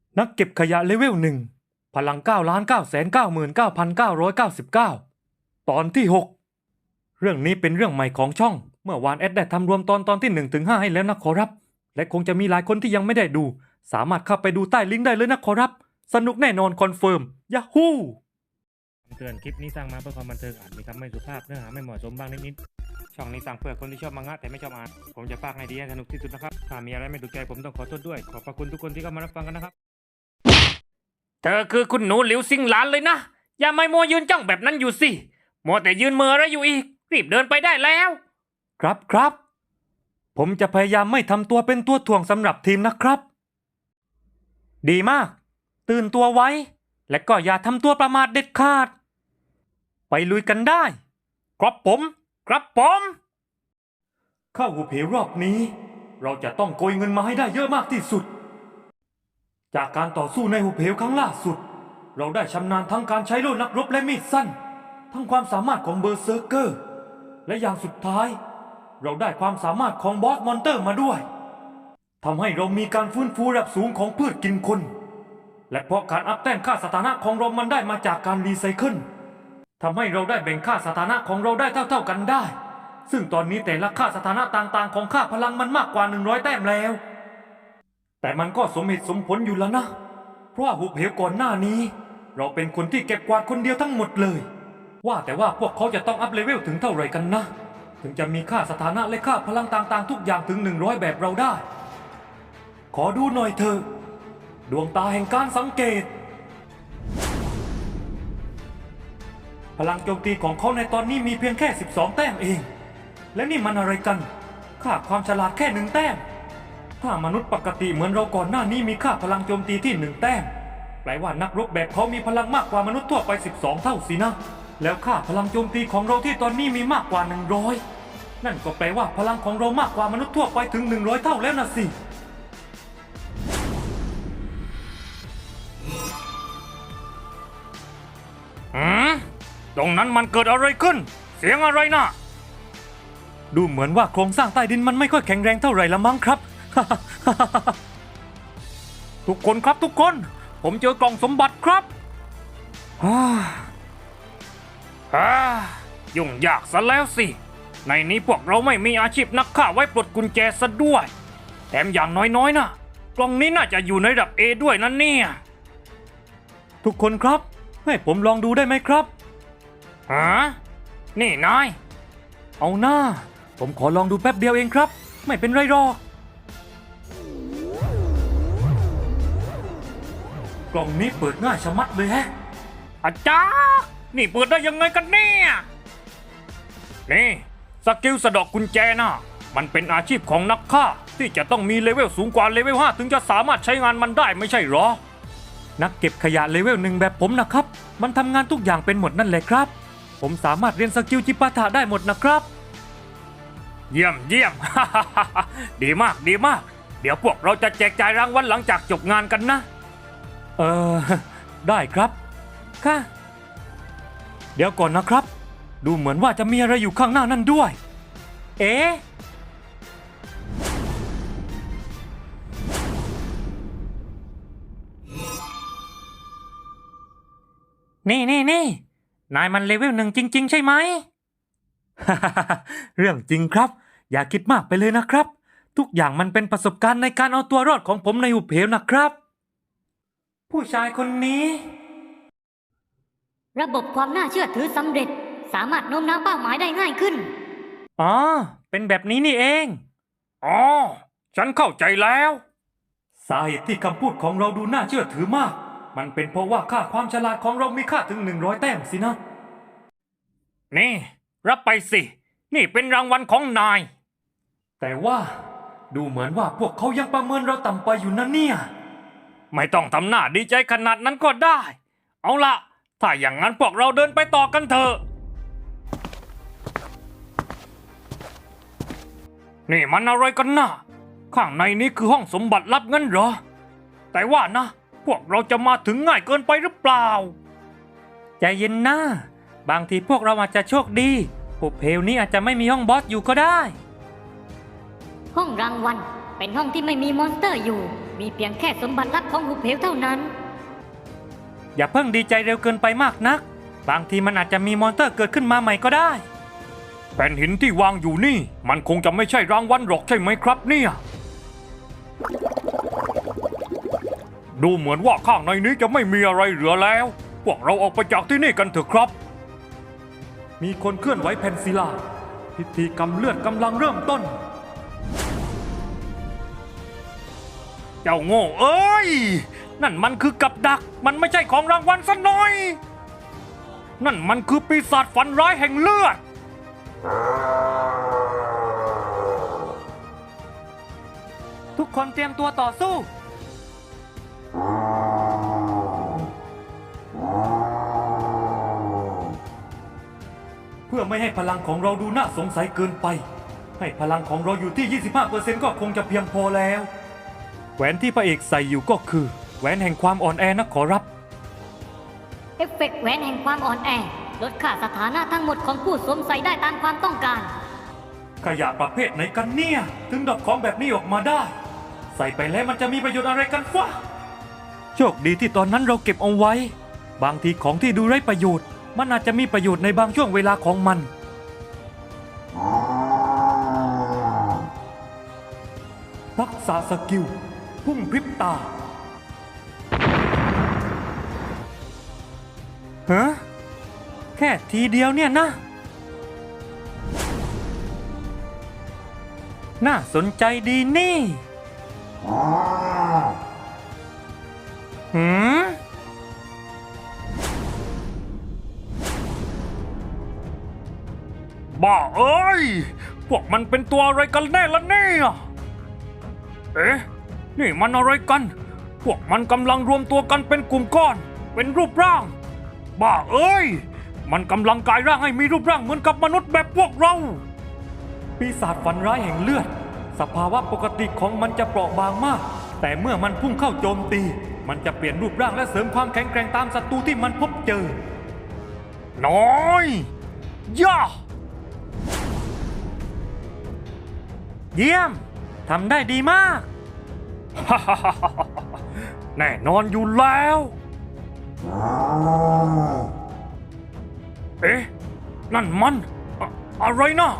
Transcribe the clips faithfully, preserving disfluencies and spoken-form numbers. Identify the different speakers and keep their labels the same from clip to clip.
Speaker 1: นักเก็บขยะเลเวลหนึ่งพลังเก้าล้านเก้าแสนเก้าหมื่นเก้าพันเก้าร้อยเก้าสิบเก้าตอนที่หกเรื่องนี้เป็นเรื่องใหม่ของช่องเมื่อวานแอดได้ทำรวมตอนตอนที่หนึ่งถึงห้าให้แล้วนะขอรับและคงจะมีหลายคนที่ยังไม่ได้ดูสามารถเข้าไปดูใต้ลิงก์ได้เลยนะขอรับสนุกแน่นอนคอนเฟิร์มยาฮูเตือนคลิปนี้สร้างมาเพื่อความบันเทิงอาจมีคำไม่สุภาพเนื้อหาไม่เหมาะสมบ้างนิดๆช่องนี้สร้างเพื่อคนที่ชอบมังงะแต่ไม่ชอบอ่านผมจะพากให้ดีให้สนุกที่สุดนะครับถ้ามีอะไรไม่ถูกใจผมต้องขอโทษด้วยขอบพระคุณทุกคนที่เข้ามารับฟังกันนะครับเธอคือคุณหนูหลิวซิงหลานเลยนะอย่าไม่มัวยืนจ้องแบบนั้นอยู่สิมัวแต่ยืนเมออะไรอยู่อีกรีบเดินไปได้แล้วครับครับผมจะพยายามไม่ทำตัวเป็นตัวถ่วงสำหรับทีมนะครับ ดีมากตื่นตัวไว้และก็อย่าทำตัวประมาทเด็ดขาดไปลุยกันได้ครับผมครับผมเข้าหุบเหวรอบนี้เราจะต้องโกยเงินมาให้ได้เยอะมากที่สุดจากการต่อสู้ในหุบเหวครั้งล่าสุดเราได้ชำนาญทั้งการใช้โล่นักรบและมีดสั้นทั้งความสามารถของเบอร์เซอร์เกอร์และอย่างสุดท้ายเราได้ความสามารถของบอสมอนเตอร์มาด้วยทำให้เรามีการฟื้นฟูระดับสูงของพืชกินคนและเพราะการอัพแต้มค่าสถานะของเรามันได้มาจากการรีไซเคิลทำให้เราได้แบ่งค่าสถานะของเราได้เท่าๆกันได้ซึ่งตอนนี้แต่ละค่าสถานะต่างๆของค่าพลังมันมากกว่าหนึ่งร้อยแต้มแล้วแต่มันก็สมเหตุสมผลอยู่แล้วนะเพราะหุบเหวก่อนหน้านี้เราเป็นคนที่เก็บกวาดคนเดียวทั้งหมดเลยว่าแต่ว่าพวกเขาจะต้องอัพเลเวลถึงเท่าไหร่กันนะถึงจะมีค่าสถานะและค่าพลังต่างๆทุกอย่างถึงหนึ่งร้อยแบบเราได้ขอดูหน่อยเถอะดวงตาแห่งการสังเกตพลังโจมตีของเขาในตอนนี้มีเพียงแค่สิบสองแต้มเองและนี่มันอะไรกันค่าความฉลาดแค่หนึ่งแต้มถ้ามนุษย์ปกติเหมือนเราก่อนหน้านี้มีค่าพลังโจมตีที่หนึ่งแต้มแปลว่านักรบแบบเขามีพลังมากกว่ามนุษย์ทั่วไปสิบสองเท่าสินะแล้วค่าพลังโจมตีของเราที่ตอนนี้มีมากกว่าหนึ่งร้อยนั่นก็แปลว่าพลังของเรามากกว่ามนุษย์ทั่วไปถึงหนึ่งร้อยเท่าแล้วนะสิอืมตรงนั้นมันเกิดอะไรขึ้นเสียงอะไรนะดูเหมือนว่าโครงสร้างใต้ดินมันไม่ค่อยแข็งแรงเท่าไหร่ละมั้งครับ ทุกคนครับทุกคนผมเจอกล่องสมบัติครับฮ่าฮ่ายุ่งยากซะแล้วสิในนี้พวกเราไม่มีอาชีพนักฆ่าไว้ปลดกุญแจซะด้วยแถมอย่างน้อยๆนะกล่องนี้น่าจะอยู่ในระดับ เอ ด้วยนั่นเนี่ยทุกคนครับให้ผมลองดูได้ไหมครับฮะนี่นายเอาหน้าผมขอลองดูแป๊บเดียวเองครับไม่เป็นไรหรอกกล่องนี้เปิดง่ายชะมัดเลยแฮะอาจารย์นี่เปิดได้ยังไงกันเนี่ยนี่สกิลสะดอกกุญแจนะมันเป็นอาชีพของนักฆ่าที่จะต้องมีเลเวลสูงกว่าเลเวลห้าถึงจะสามารถใช้งานมันได้ไม่ใช่หรอนักเก็บขยะเลเวลหนึ่งแบบผมนะครับมันทำงานทุกอย่างเป็นหมดนั่นแหละครับผมสามารถเรียนสกิลจิปาถะได้หมดนะครับเยี่ยมเยี่ยม ดีมากดีมากเดี๋ยวพวกเราจะแจกจ่ายรางวัลหลังจากจบงานกันนะเออได้ครับค่ะเดี๋ยวก่อนนะครับดูเหมือนว่าจะมีอะไรอยู่ข้างหน้านั่นด้วยเอ๊ะนี่นี่นี่นายมันเลเวลหนึ่งจริงๆใช่ไหม เรื่องจริงครับอย่าคิดมากไปเลยนะครับทุกอย่างมันเป็นประสบการณ์ในการเอาตัวรอดของผมในหุบเหวนะครับผู้ชายคนนี้
Speaker 2: ระบบความน่าเชื่อถือสำเร็จสามารถโน้มน้าวเป้าหมายได้ง่ายขึ้น
Speaker 1: อ๋อเป็นแบบนี้นี่เองอ๋อฉันเข้าใจแล้วสาเหตุที่คำพูดของเราดูน่าเชื่อถือมากมันเป็นเพราะว่าค่าความฉลาดของเรามีค่าถึงหนึ่งร้อยแต้มสินะนี่รับไปสินี่เป็นรางวัลของนายแต่ว่าดูเหมือนว่าพวกเขายังประเมินเราต่ำไปอยู่นะเนี่ยไม่ต้องทำหน้าดีใจขนาดนั้นก็ได้เอาละถ้าอย่างนั้นพวกเราเดินไปต่อกันเถอะนี่มันอะไรกันนะข้างในนี้คือห้องสมบัติลับงั้นเหรอแต่ว่านะพวกเราจะมาถึงง่ายเกินไปหรือเปล่าใจเย็นนะบางทีพวกเราอาจจะโชคดีหุบเหวนี้อาจจะไม่มีห้องบอสอยู่ก็ได้
Speaker 2: ห้องรางวัลเป็นห้องที่ไม่มีมอนสเตอร์อยู่มีเพียงแค่สมบัติลับของหุบเหวเท่านั้น
Speaker 1: อย่าเพิ่งดีใจเร็วเกินไปมากนัก บางทีมันอาจจะมีมอนสเตอร์เกิดขึ้นมาใหม่ก็ได้แผ่นหินที่วางอยู่นี่ มันคงจะไม่ใช่รางวัลหรอกใช่ไหมครับเนี่ย ดูเหมือนว่าข้างในนี้จะไม่มีอะไรเหลือแล้ว พวกเราออกไปจากที่นี่กันเถอะครับ มีคนเคลื่อนไหวแผ่นศิลา พิธีกรรมเลือดกำลังเริ่มต้น เจ้าโง่เอ้ย นั่นมันคือกับดัก มันไม่ใช่ของรางวัลซะหน่อย นั่นมันคือปีศาจฝันร้ายแห่งเลือด ทุกคนเตรียมตัวต่อสู้ เพื่อไม่ให้พลังของเราดูน่าสงสัยเกินไป ให้พลังของเราอยู่ที่ ยี่สิบห้าเปอร์เซ็นต์ ก็คงจะเพียงพอแล้ว แหวนที่พระเอกใส่อยู่ก็คือ แหวนแห่งความอ่อนแอนะขอรับ
Speaker 2: เอฟเฟกต์แหวนแห่งความอ่อนแอลดค่าสถานะทั้งหมดของผู้สวมใส่ได้ตามความต้องการ
Speaker 1: ขยะประเภทไหนกันเนี่ย ถึงดอกของแบบนี้ออกมาได้ ใส่ไปแล้วมันจะมีประโยชน์อะไรกันฟะโชคดีที่ตอนนั้นเราเก็บเอาไว้ บางทีของที่ดูไร้ประโยชน์ มันอาจจะมีประโยชน์ในบางช่วงเวลาของมัน ทักษะสกิล พุ่งพริบตาฮะแค่ทีเดียวเนี่ยนะ น่าสนใจดีนี่หืมบ้าเอ้ย พวกมันเป็นตัวอะไรกันแน่ละเนี่ยเอ๊ะ นี่มันอะไรกัน พวกมันกำลังรวมตัวกันเป็นกลุ่มก้อน เป็นรูปร่าง บ้าเอ้ย มันกำลังกลายร่างให้มีรูปร่างเหมือนกับมนุษย์แบบพวกเรา ปีศาจฝันร้ายแห่งเลือด สภาวะปกติของมันจะเปราะบางมาก แต่เมื่อมันพุ่งเข้าโจมตี มันจะเปลี่ยนรูปร่างและเสริมความแข็งแกร่งตามศัตรูที่มันพบเจอ น้อยย่าเยี่ยม ทำได้ดีมาก แน่นอนอยู่แล้ว เอ๊ะ นั่นมันอะอะไรนะ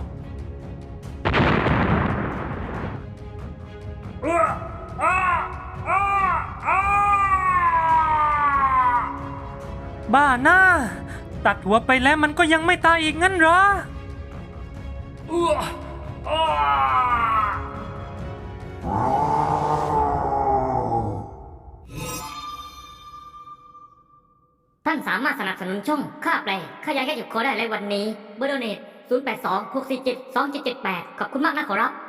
Speaker 1: เอ้ออ้าอ้าอ้าบ้าหน้า ตัดหัวไปแล้วมันก็ยังไม่ตายอีกงั้นเหรอเอ้ออ้า
Speaker 2: ท่านสามารถสนับสนุนช่องค่าแปลค่ายาแก้หยุดคอได้ในวันนี้เบอร์โดเนตศูนย์ แปด สอง หก สี่ เจ็ด สอง เจ็ด เจ็ด แปดขอบคุณมากนะขอรับ